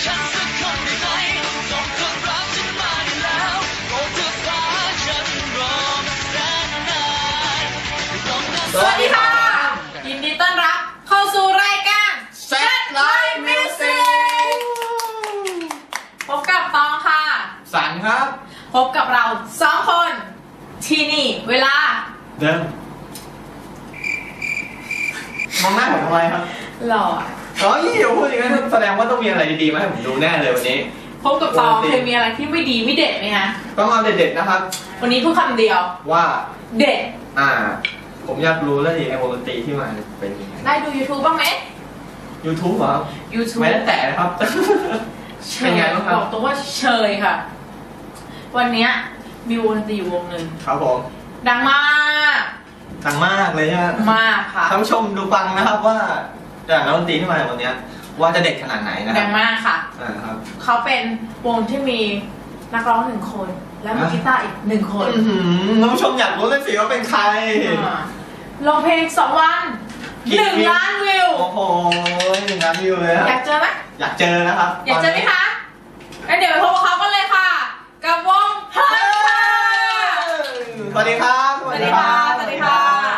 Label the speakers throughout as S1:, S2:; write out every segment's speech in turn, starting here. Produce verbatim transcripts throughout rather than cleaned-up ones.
S1: ฉันสักคนได้ไหมส่งคนรักฉันมาได้แล้วโปรดเธอฟ้าฉันรอมาแสนนาน
S2: สวัสดีค่ะยินดีต้อนรับเข้าสู่รายการ Set Live Music พบกับตองค่ะ
S3: สันครับ
S2: พบกับเราสองคนที่นี่เวลา
S3: เดิมมองหน้าผมทำไมครับ
S2: หล่อ
S3: อ๋อยี่เดี๋ยวพูดอย่างนั้นแสดงว่าต้องมีอะไรดีๆมาให้ผมดูแน่เลยวันนี้
S2: พบกับตองเคยมีอะไรที่ไม่ดีไม่เด็ดไหมฮะ
S3: ต้องเอาเด็ดๆนะครับ
S2: วันนี้พูดคำเดียว
S3: ว่า
S2: เด็ด
S3: อ่าผมอยากรู้แล้วดิไอ้วงดนตรีที่มาเป็นยังไง
S2: ได้ดู YouTube บ้างไหม
S3: YouTube เหรอ
S2: YouTube
S3: ไม่ได้แตะนะครับเป็นไงบ้างครับ
S2: บอกตัวว่าเชยค่ะวันนี้มีวงดนตรีอยู่วงหนึ่ง
S3: ครับผม
S2: ดังมาก
S3: ดังมากเลยใช่ไหม
S2: มากค่ะ
S3: ท่านผู้ชมดูฟังนะครับว่าจากนักดนตรีที่มาในวันนี้ว่าจะเด็ดขนาดไหนนะ
S2: ดังมากค่ะ
S3: อ่าครับ
S2: เขาเป็นวงที่มีนักร้องหนึ่งคนและมือกีตาร์อีกหนึ่งคน
S3: ท่านผู้ชมอยากรู้เลยสิว่าเป็นใคร
S2: ลงเพลงสองวันหนึ่งล้านวิว
S3: โอ้โหหนึ่งล้านวิวเลย
S2: อยากเจอไหม
S3: อยากเจอนะครับ
S2: อยากเจอไหมคะงั้นเดี๋ยวไปพบกับเขากันเลยค่ะกับวงเพิร์ลค่ะ
S3: สวัสดีครับ
S2: สวัสดีค่ะสวัสดีค่ะ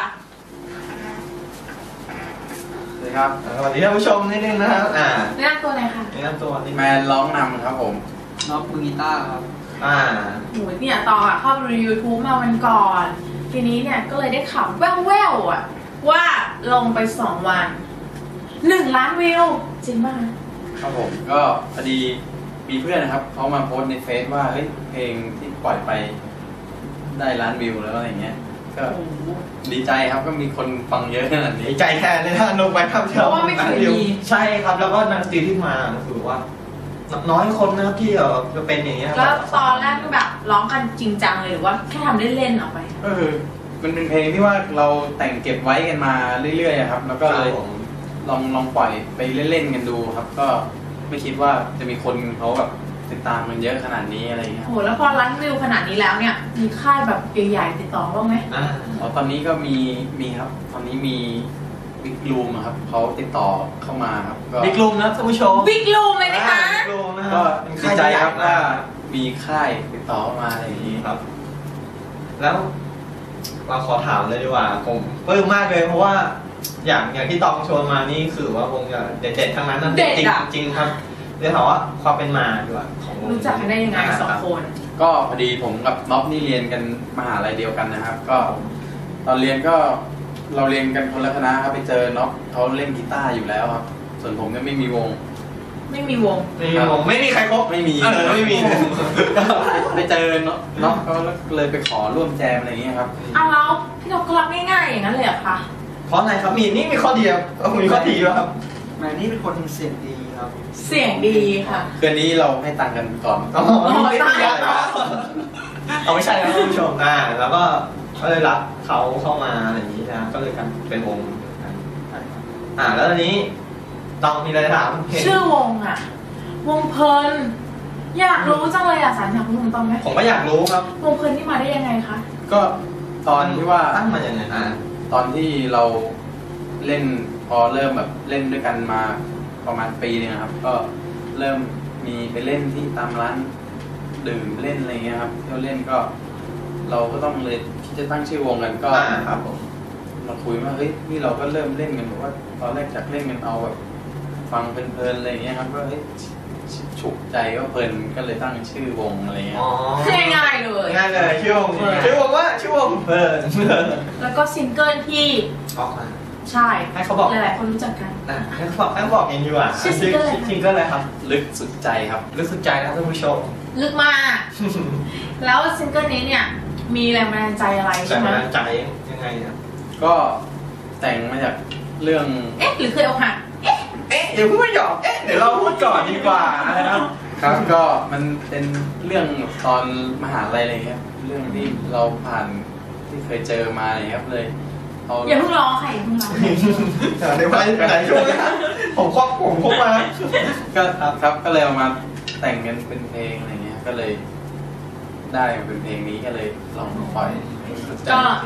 S3: สวัสดีครับสวัสดีท่านผู้ชมนิดนึงนะครับอ่า
S2: แนะนำตัวหน่อยค่ะ
S3: แนะนำตัว
S4: แมนร้องนำครับผม
S3: น็อกมือกีตาร์ครับอ่า
S2: โหเนี่ยตอนอ่ะเข้าดู YouTube มาวันก่อนทีนี้เนี่ยก็เลยได้ข่าวแว่วๆอ่ะว่าลงไปสองวันหนึ่งล้านวิวจริงมาก
S4: ครับผมก็พอดีมีเพื่อนนะครับเขามาโพสต์ในเฟซว่าเฮ้ยเพลงที่ปล่อยไปได้ล้านวิวแล้วอะไรเงี้ยก็ดีใจครับก็มีคนฟังเยอะขนาดนี้
S3: ดีใจแค่เลยถ้าลงไปทำเท่า
S2: ว่าไม่เคยมี
S3: ใช่ครับแล้วก็นักดนตรีที่มาคือว่าน้อยคนนะครับที่จะเป็นอย่างเงี้ย
S2: แล้วตอนแรกก็แบบร้องกันจริงจังเลยหรือว่าแค่ทำเล่นๆออกไป
S4: ก็คือมันเป็นเพลงที่ว่าเราแต่งเก็บไว้กันมาเรื่อยๆครับแล้วก็เลยลองลองปล่อยไปเล่นๆกันดูครับก็ไม่คิดว่าจะมีคนเขาแบบติดตามมันเยอะขนาดนี้อะไรเงี้ย
S2: โหแล้วพอล้านวิวขนาดนี้แล้วเนี่ยมีค่ายแบบใหญ่ๆติดต่อบ้างไหม
S4: อ๋อตอนนี้ก็มีมีครับตอนนี้มีบิ๊กลูมครับเขาติดต่อเข้ามาครับ
S3: ก็บิ๊กลูมนะท่านผู้ชม
S2: บิ๊กลูมเลยนะคะ
S4: ก็ดีใจครับว่ามีค่ายติดต่อมาอะไรอย่างนี้ครับ
S3: แล้วเราขอถามเลยดีกว่าผมปลื้มมากเลยเพราะว่าอย่างอย่างที่ตองชวนมานี่คือว่าวงจะเด็ดๆทั้งนั้นนะ
S2: เด็ด
S3: จริงครับเดี๋ยวถามว่าความเป็นมาดีกว่าของวง
S2: รู้จักกันได้ยังไงสองคน
S4: ก็พอดีผมกับน็อปนี่เรียนกันมหาลัยเดียวกันนะครับก็ตอนเรียนก็เราเรียนกันคนละคณะครับไปเจอน็อปเขาเล่นกีตาร์อยู่แล้วครับส่วนผมเนี่ยไม่มีวง
S2: ไม่มีวง
S3: ไม่มีวงไม่มีใครคบ
S4: ไม่มี
S3: ไม่มี
S4: ไปเจอน็อปน็อปก็เลยไปขอร่วมแจมอะไรอย่างเงี้ยครับ
S2: อ้าวแล้วพี่น็อปก็รับง่ายๆอย่างนั้นเลยเหรอคะ
S3: เพราะอะไรครับมีนี่มีข้อดีมีข้อดีครับ
S5: แม่นี่เป็นคนเสียงดีครับ
S2: เสียงดีค่ะ
S4: คืนนี้เราให้ตังค์กันก่อน
S3: อ๋อไม่ได้เอาไม่ใช่ครับคุณผู้ชมอ่าแล้วก็ก็เลยรับเขาเข้ามาอะไรอย่างนี้นะก็เลยกันเป็นวงอ่าแล้วตอนนี้ต้องมีอะไรถาม
S2: ชื่อวงอ่ะวงเพลินอยากรู้จังเลยอ่ะสันอยากรู้ต้องไหม
S3: ผมก็อยากรู้ครับ
S2: วงเพลินที่มาได้ยังไงคะ
S4: ก็ตอนที่ว่า
S3: ตั้งมาอย่างไงอ่า
S4: ตอนที่เราเล่นพอเริ่มแบบเล่นด้วยกันมาประมาณปีนึงครับก็เริ่มมีไปเล่นที่ตามร้านดื่มเล่นอะไรเงี้ยครับเที่ยวเล่นก็เราก็ต้องเลยที่จะตั้งชื่อวงกันก็
S3: ครับผม
S4: มาคุยว่าเฮ้ยนี่เราก็เริ่มเล่นกันแบบว่าตอนแรกจากเล่นกันเอาแบบฟังเพลินๆอะไรเงี้ยครับก็เฮ้ยฉุกใจก็เพลินก็เลยตั้งชื่อวงอะไรเงี้ย
S2: ง่ายๆเลย
S3: ง่ายเลยชื่อวงชื่อวงว่าชื่อวงเพลิน
S2: แล้วก็ซิงเกิลที่
S3: ออกมา
S2: ใช่
S3: ให้เขาบอก
S2: หลายๆคนรู้จักกัน
S3: ให้เขาบอกให้บอกเองดีกว่า
S2: ซิงเกิลอะไร
S3: ซิงเกิลอะไรครับ
S4: ลึกสุดใจครับ
S3: ลึกสุดใจนะท่านผู้ชม
S2: ลึกมากแล้วซิงเกิลนี้เนี่ยมีแรงบันดาลใจอะไรใช่ไหม
S3: แรงบันดาลใจยังไงเนี่ย
S4: ก็แต่งมาจากเรื่อง
S2: เอ๊ะหรือเคยอกหัก
S3: เอ๊ะเอ๊ะเดี๋ยวพูดไม่หยอกเอ๊ะเดี๋ยวเราพูดก่อนดีกว่านะครับ
S4: ครับก็มันเป็นเรื่องตอนมหาลัยอะไรเงี้ยเรื่องที่เราผ่านที่เคยเจอมาอะไรครับเลย
S2: อย่าเพิ่งร้องค่ะอย่าเพิ่งร้อง
S3: เดี๋ยวไปไหนช่วงนี้ผมครอบผมครบมา
S4: ก็ครับก็เลยเอามาแต่งกันเป็นเพลงอะไรเงี้ยก็เลยได้เป็นเพลงนี้ก็เลยลองปล่อย
S2: ก็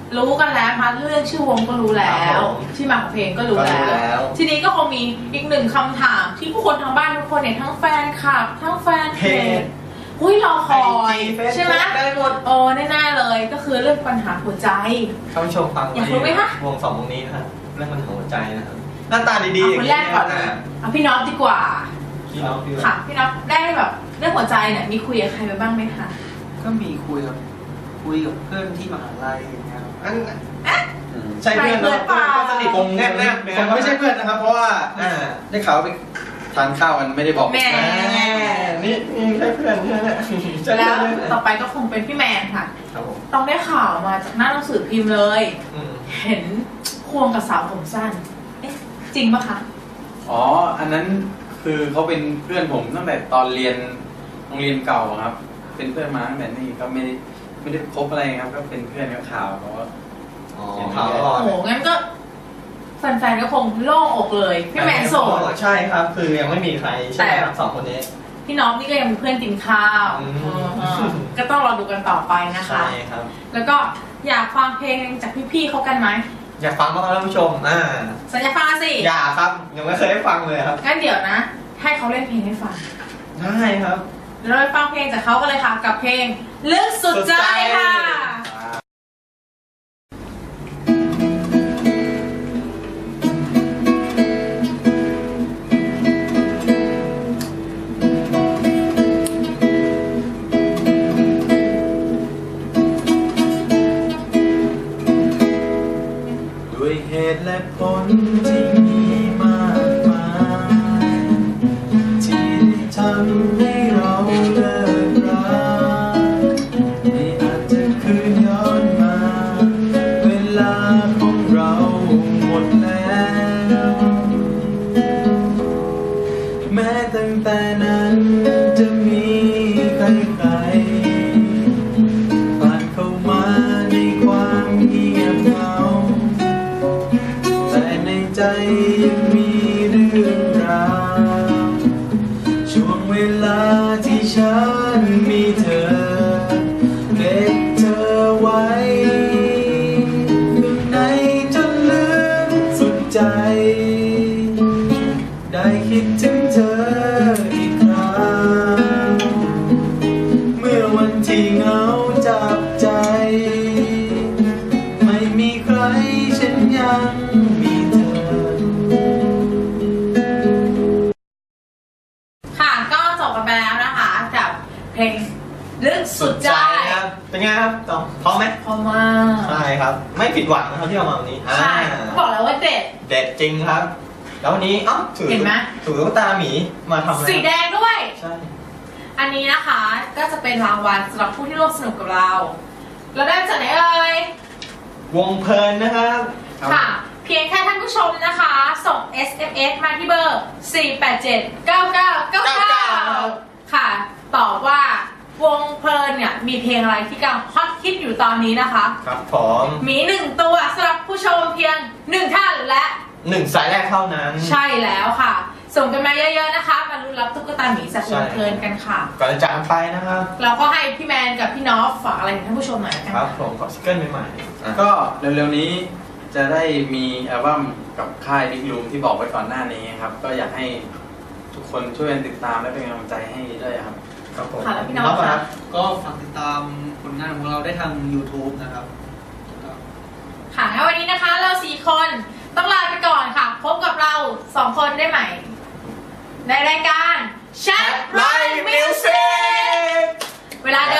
S2: รู้กันแล้วนะคะเรื่องชื่อวงก็รู้แล้
S3: ครั
S2: ว
S3: บผม
S2: ที่มาของเพลงก็รู้
S3: ก็รู้
S2: แล้ว
S3: แล้ว
S2: ทีนี้ก็คงมีอีกหนึ่งคำถามที่ผู้คนทางบ้านทุกคนเนี่ยทั้งแฟนคลับทั้งแฟนเพจอุ้ยรอคอยใช่ไหม
S3: ได้หมด
S2: โอ้แน่ๆเลยก็คือเรื่องปัญหาหัวใจ
S3: ท่านผู้ชมฟัง
S2: อยากรู้ไหมคะ
S3: วงสองวงนี้นะครับเรื่องมันหัวใจนะครับหน้าตาดีๆ
S2: เอาคนแรกก่อน
S3: ย่าง
S2: นะ
S3: เงี้ย
S2: เอาพี่น็อตดีกว่า
S3: พี่น้องพี่น้อง
S2: ค่ะพี่น็อตได้แบบเรื่องหัวใจเนี่ยมีคุยกับใครไปบ้างไหมคะ
S5: ก็มีคุยกับคุยกับเพื่อนที่มหาลัยอย่างเงี้ยครับ
S3: อัน
S4: อืม
S3: ใช่เพื่อน
S2: ใช่เพื่อนเปล่า
S3: ก็สนิท
S4: คง
S3: แนบแนบ
S4: คงไม่ใช่เพื่อนนะครับ เพราะว่า
S3: อ่า
S4: ได้ข่าวว่าไปทานข้าวกันไม่ได้บอก
S2: แม่
S3: นี่นี่ใช่เพื่อนใช่ไหมใช่
S2: แล้
S3: เพื่
S2: ว
S3: อน
S2: ต่อไปก็คงเป็นพี่แมนค่ะ
S3: ครับผม
S2: ต้องได้ข่าวมาจากหน้าหนังสือพิมพ์เลย
S3: อืม
S2: เห็นควงกับสาวผมสั้น เอ๊ะ จริงปะคะ
S4: อ๋อ อันนั้นคือเขาเป็นเพื่อนผมตั้งแต่ตอนเรียนโรงเรียนเก่าครับ เป็นเพื่อนมาตั้งแต่นี่ก็ไม่ได้ไม่ได้คบอะไรครับ ก็เป็นเพื่อนกับข่าวเพราะว่า
S3: อ๋อข่าวก่
S2: โอ้
S3: อน
S2: โห งั้นก็แฟนๆก็คงโล่งอกเลย พี่แมนโสด
S3: ใช่ครับ คือยังไม่มีใครใช่ไหมครับสองคนนี้
S2: พี่น้องนี่ก็ยังเป็นเพื่อนกินข้าว
S3: อืม
S2: เออก็ต้องรอดูกันต่อไปนะคะ
S3: ใช่ครับ
S2: แล้วก็อยากฟังเพลงจากพี่ๆเขากันไหม
S3: อยากฟังบ้างครับท่านผู้ชม อ่า
S2: สัญญาฟังสิ
S3: อย่าครับ ยังไม่เคยได้ฟังเลยครับ
S2: งั้นเดี๋ยวนะ ให้เขาเล่นเพลงให้ฟัง
S3: ได้ครับ
S2: เดี๋ยวเราไปฟังเพลงจากเขากันเลยค่ะ กับเพลงลึกสุดใจค่ะ
S4: ด้วยเหตุและผลที่มีมากมายที่ได้ทำให้เราเลิกรักไม่อาจจะคืนย้อนมา เวลาของเราหมดแล้ว แม้ตั้งแต่นั้นจะมีใครๆผ่านเข้ามาในความเงียบเหงา แต่ในใจยังมีเรื่องราวช่วงเวลาที่ฉันมีเธอเก็บเธอไว้ข้างในจนลึกสุดใจ ได้คิดถึงเธออีกครั้งเมื่อวันที่เหงาจับใจ ไม่มีใครฉันยังมีเธอ
S2: ค่ะก็จบกันไปแล้วนะคะกับเพลงลึกสุดใจ
S3: ครับ เป็นไงครับตองพร้อมไหม
S2: เพราะว่า
S3: ใช่ครับ ไม่ผิดหวังนะครับที่เอามาวันนี้อ่า
S2: ใช่บอกแล้วว่าเด็ด
S3: เด็ดจริงครับ แล้ววันนี้เอ้าถือ
S2: เห็นไหม
S3: ถือตุ๊กตาหมีมาทำอะไร
S2: สีแดงด้วย
S3: ใช่
S2: อันนี้นะคะก็จะเป็นรางวัลสำหรับผู้ที่ร่วมสนุกกับเรา เราได้จากไหนเอ่ยว
S3: งเพลินนะครับ
S2: ค่ะ เพียงแค่ท่านผู้ชมนะคะ ส่ง เอส เอ็ม เอส มาที่เบอร์ สี่ แปด เจ็ด เก้า เก้า เก้า เก้า ค่ะ ตอบว่าวงเพลินเนี่ยมีเพลงอะไรที่กำลังฮอตฮิตอยู่ตอนนี้นะคะ
S3: ครับผม
S2: มีหนึ่งตัวสำหรับผู้ชมเพียงหนึ่งท่านและ
S3: หนึ่งสายแรกเท่านั้น
S2: ใช่แล้วค่ะ ส่งกันมาเยอะๆนะคะ มาลุ้นรับตุ๊กตาหมีจากวงเพลินกันค่ะ
S3: ก่อนจะจากกันไปนะครับ
S2: เราก็ให้พี่แมนกับพี่นอฟฝากอะไรถึงท่านผู้ชมหน่อยละกัน
S3: ครับผมขอซิงเกิลใหม่ๆอ่ะ
S4: ก็เร็วๆนี้จะได้มีอัลบั้มกับค่ายบิ๊กลูมที่บอกไว้ก่อนหน้านี้ครับ ก็อยากให้ทุกคนช่วยกันติดตามและเป็นกำลังใจให้ด้วยครับ
S3: ครับผม
S2: ค่ะแล้วพี่น้อง
S3: ครับ
S2: คะ
S5: ก็ฝากติดตามผลงานของเราได้ทาง YouTube นะครับ
S2: ค่ะงั้นวันนี้นะคะเราสี่คนต้องลาไปก่อนค่ะ พบกับเราสองคนได้ใหม่ ในรายการ Chat Live Music เวลาเดิ